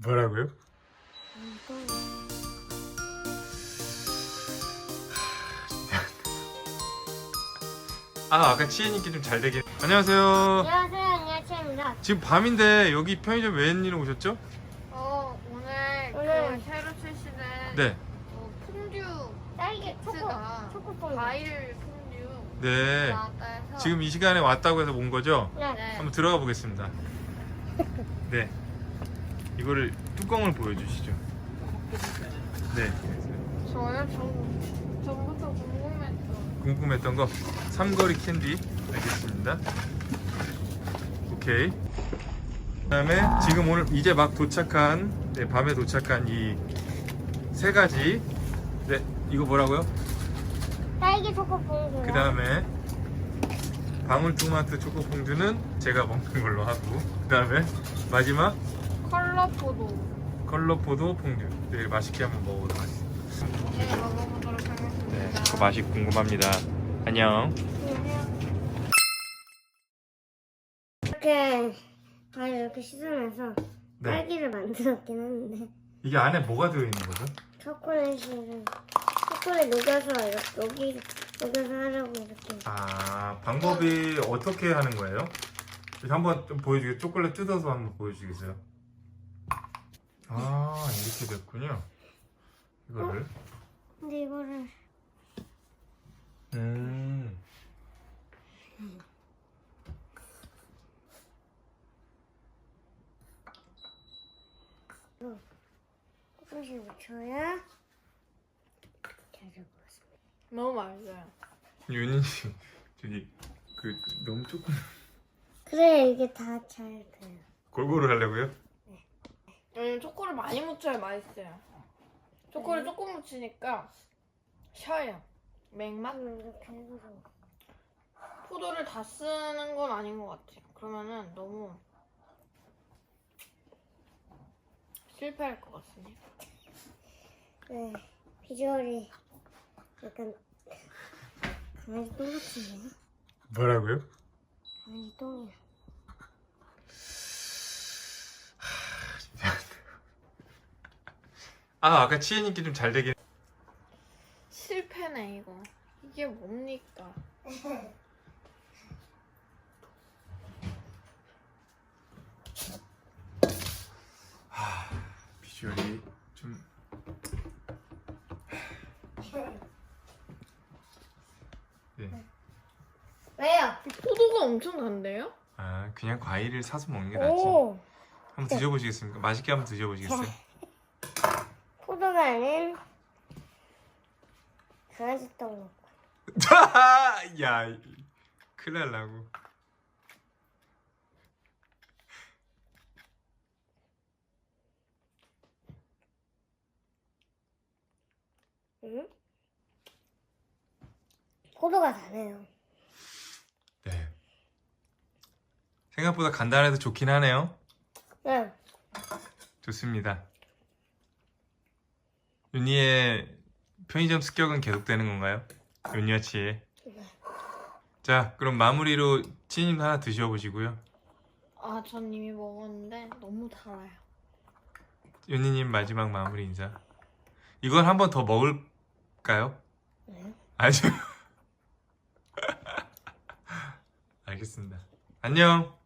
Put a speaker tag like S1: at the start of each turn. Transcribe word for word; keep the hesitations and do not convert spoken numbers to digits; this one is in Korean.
S1: 뭐라고요? 아 아까 치혜님께 좀 잘 되긴. 안녕하세요.
S2: 안녕하세요, 안녕하세요.
S1: 지금 밤인데 여기 편의점 웬일로 오셨죠?
S3: 어 오늘,
S2: 오늘
S3: 그 새로 출시된
S1: 네.
S3: 어, 퐁듀
S2: 딸기 초코
S3: 키트가
S2: 초코퐁.
S3: 과일 퐁듀
S1: 네.
S3: 나왔다 해서
S1: 지금 이 시간에 왔다고 해서 온 거죠?
S2: 네.
S3: 네.
S1: 한번 들어가 보겠습니다. 네. 이거를 뚜껑을 보여주시죠. 네.
S3: 저요 전 전부터 궁금했던
S1: 궁금했던 거 삼거리 캔디. 알겠습니다. 오케이. 그다음에 지금 오늘 이제 막 도착한, 네, 밤에 도착한 이 세 가지. 네, 이거 뭐라고요?
S2: 딸기 초코퐁.
S1: 그 다음에 방울토마토 초코퐁듀는 제가 먹는 걸로 하고, 그 다음에 마지막
S3: 컬러 포도.
S1: 컬러포도 퐁듀. 네, 맛있게 한번 먹어보도록 하겠습니다.
S3: 네 먹어보도록 하겠습니다.
S1: 네, 그 맛이 궁금합니다. 안녕.
S2: 이렇게 과일 이렇게 씻으면서
S1: 네.
S2: 딸기를 만들었긴 했는데
S1: 이게 안에 뭐가 들어있는 거죠?
S2: 초콜릿을 초콜릿 녹여서 이렇게 녹이 녹여서 하려고 이렇게.
S1: 아, 방법이 어떻게 하는 거예요? 한번 좀 보여주겠어요? 초콜릿 뜯어서 한번 보여주겠어요? 아, 이렇게 됐군요. 이거를.
S2: 근데 이거를
S1: 음.
S2: 조금씩 묻혀야 잘 될 것 같습니다.
S3: 너무 맛있어요.
S1: 윤희 씨, 저기 그 너무 조금
S2: 그래 이게 다 잘 돼요.
S1: 골고루 하려고요?
S3: 왜냐면 초코를 많이 묻혀야 맛있어요. 초코를 조금 묻히니까 셔요. 맥맛?
S2: 음, 이렇게 해서
S3: 포도를 다 쓰는 건 아닌 것 같아요. 그러면은 너무 실패할 것 같습니다.
S2: 네 비주얼이 약간 강아지 똥 같은데요?
S1: 뭐라고요?
S2: 강아지 똥이야.
S1: 아, 아까 치혜님께 좀 잘 되긴.
S3: 실패네 이거. 이게 뭡니까?
S1: 비주얼이 좀. 네.
S2: 왜요?
S3: 포도가 엄청 단데요?
S1: 아, 그냥 과일을 사서 먹는 게 낫지.
S2: 오
S1: 한번 드셔보시겠습니까? 맛있게 한번 드셔보시겠어요?
S2: 포도가 아닌 강아지 똥 먹고.
S1: 야, 큰일 날라고.
S2: 응? 포도가 다네요.
S1: 네. 생각보다 간단해도 좋긴 하네요.
S2: 네.
S1: 좋습니다. 윤희의 편의점 습격은 계속되는 건가요? 윤희와 치혜. 자, 그럼 마무리로 치님 하나 드셔보시고요.
S3: 아, 전 이미 먹었는데 너무 달아요.
S1: 윤희님 마지막 마무리 인사. 이건 한 번 더 먹을까요?
S2: 네.
S1: 아니요. 알겠습니다. 안녕.